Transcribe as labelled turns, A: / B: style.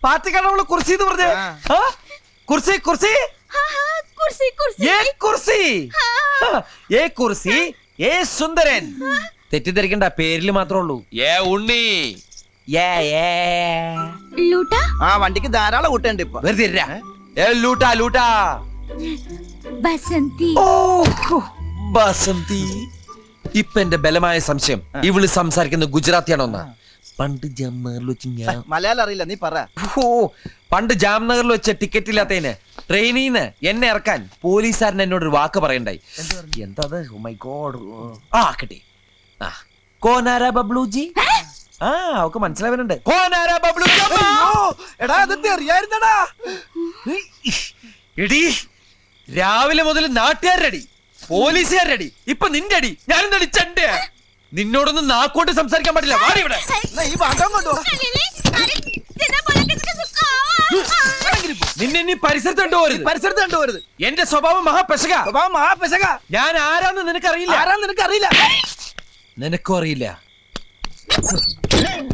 A: പാർട്ടിക്കാണ് അവള് കുർസി എന്ന് പറഞ്ഞേ. കുർസി കുർസി ഏ കുർസി ഏ സുന്ദരൻ. തെറ്റിദ്ധരിക്കണ്ട, പേരില് മാത്രമേ ഉള്ളൂ.
B: ഏ ഉണ്ണി
C: ആ വണ്ടിക്ക് ധാരാളം കൂട്ടുണ്ട് ഇപ്പൊ.
A: വെറുതെ ഇരിരാ. ഏ ലൂട്ടാ ലൂട്ടാ.
D: ബസന്തി.
A: ഓ ബസന്തി. ഇപ്പൊ എന്റെ ബലമായ സംശയം ഇവള് സംസാരിക്കുന്ന ഗുജറാത്തിയാണോന്നാ. പണ്ട് ജാംനഗറിൽ വെച്ച് ഞാൻ
C: മലയാളം അറിയില്ല, നീ പറ.
A: പണ്ട് ജാംനഗറിൽ വെച്ച ടിക്കറ്റ് ഇല്ലാത്തതിന് ട്രെയിനിന്ന് എന്നെ ഇറക്കാൻ പോലീസുകാരൻ എന്നോടൊരു വാക്ക് പറയണ്ടായി. എന്താ മൈ ഗോഡ്. ആ കിട്ടി. ആ കോനാര ബബ്ലുജി. ആ അവക്ക് മനസ്സിലാവുന്നുണ്ട്. കോനാര ബബ്ലുജി.
C: എടാ അതൊക്കെ അറിയായിരുന്നടാ.
A: എടി രാവിലെ മുതൽ നാട്ടുകാരടി പോലീസുകാരടി ഇപ്പൊ നിന്റെ അടി. ഞാനെന്താ ചണ്ട. നിന്നോടൊന്നും നാക്കോട്ട് സംസാരിക്കാൻ പാടില്ല. വാടി ഇവിടെ.
C: ഈ ഭാഗം കൊണ്ടോ
A: നിന്നെ നീ പരിസരത്ത് കണ്ടുപോരുത്.
C: പരിസരത്ത് കണ്ടുപോരുത്.
A: എന്റെ സ്വഭാവം മഹാപെശക.
C: മഹാപെശക.
A: ഞാൻ ആരാന്ന് നിനക്കറിയില്ല.
C: ആരാന്ന് നിനക്കറിയില്ല.
A: നിനക്കും അറിയില്ല.